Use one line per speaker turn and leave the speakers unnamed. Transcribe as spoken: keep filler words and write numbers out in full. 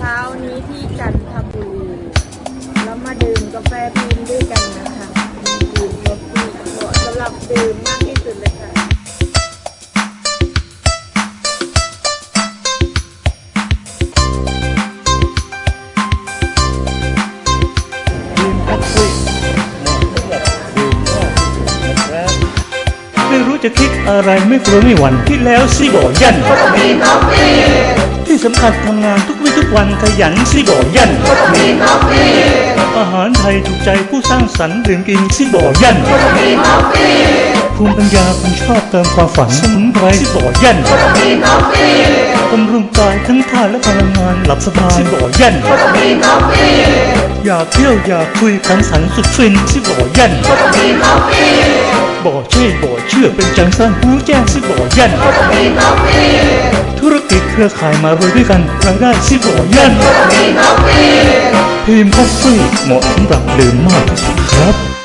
ช้านี้ที่จันทบุรีแล้วมาดื่มกาแฟพิมพ์ด้วยกันนะคะดื่มกาแฟเหมาะสำหรับดื่มมากที่สุดเลยค่ะ
ไม่รู้จะคิดอะไรไม่กลัวไม่หวั่นคิดแล้วสิบ่ยันที่สำคัญทำงานทุกวี่ทุกวันขยันสิบ่ยันอาหารไทยถูกใจผู้สร้างสรรค์ดื่มกินสิบ่ยันภูมิปัญญาคนชอบเติมความฝันสมุนไพรสิบ่ยันบำรุงกายทั้งท่าและพลังงานหลับสบายสิบ่ยันอยากเที่ยวอยากคุยขันสันสุดฟินสิบ่ยันบ่เช่บ่เชื่อเป็นจังสั้นหูแจ้งสิบ่ยันธุรกิจเครือข่ายมารวยด้วยกันรายได้สิบ่ยันพิมพ์คอฟฟี่เหมาะสำหรับดื่มมากที่สุดครับ